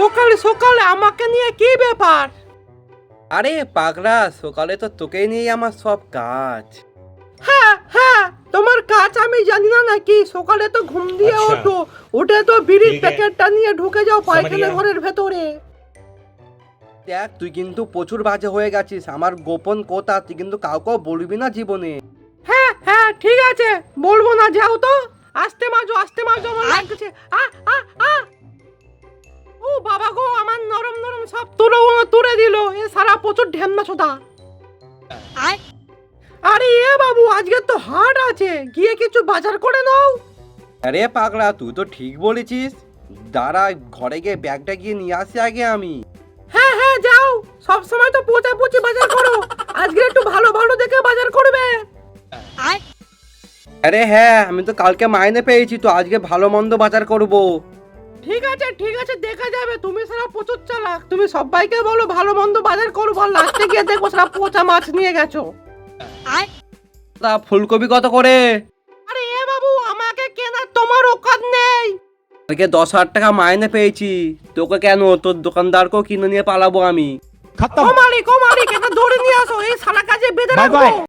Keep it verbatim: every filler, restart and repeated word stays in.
সকালে সকালে আমাকে নিয়ে কি ব্যাপার? আরে পাগলা, সকালে তো তোকেই নিয়ে আমার সব কাজ। হ্যাঁ হ্যাঁ, তোমার কাজ আমি জানি না নাকি? সকালে তো ঘুম দিয়ে আচ্ছা। ওঠো, উঠে তো বিড়ির ঠিক আছে। প্যাকেটটা নিয়ে ঢুকে যাও পায়খানা গেয়া। ঘরের ভেতরে। দেখ, তুই কিন্তু প্রচুর বাজে হয়ে গেছিস। আমার গোপন কথা তুই কিন্তু কাউকেও বলবি না জীবনে। হ্যাঁ হ্যাঁ ঠিক আছে, বলবো না, যাও তো। আস্তে মাজো আস্তে মাজো, আমার লাগছে। আ আ আ ও বাবা গো, আমার নরম নরম সব তুলো তুলে দিল। এ সারা প্রচুর ঢেমনা ছোদা। আরে এ বাবু, আজকে তো হাট আছে, গিয়ে কিছু বাজার করে নাও। আরে পাগলা, তুই তো ঠিক বলেছিস। দাঁড়া, ঘরে গিয়ে ব্যাগটা গিয়ে নিয়ে আসি আগে আমি। হ্যাঁ হ্যাঁ যাও, সব সময় তো পোচা পুচি বাজার করো, আজকে একটু ভালো ভালো দেখে বাজার করবে। আরে হ্যাঁ, আমি তো কালকে মাইনে পেয়েছি, তো আজকে ভালো মন্দ বাজার করব। ঠিক আছে ঠিক আছে, দেখা যাবে। তুমি সারা প্রচুর চালাক, তুমি সবাইকে বলো ভালো মন্দ বাজার করবো, আর লাস্টে গিয়ে দেখো সারা পচা মাছ নিয়ে গেছো। তা ফুলকপি কত করে? আরে এ বাবু, আমাকে কেনার তোমার ওকাত নেই। কালকে দশ হাজার টাকা মাইনে পেয়েছি, তোকে কেন, তোর দোকানদারকেও কিনে নিয়ে পালাবো আমি। ও মালিক ও মালিক, এটা ধরে নিয়ে আসো, এই সারা কাজে বেঁধে বাই বাই। রাখো।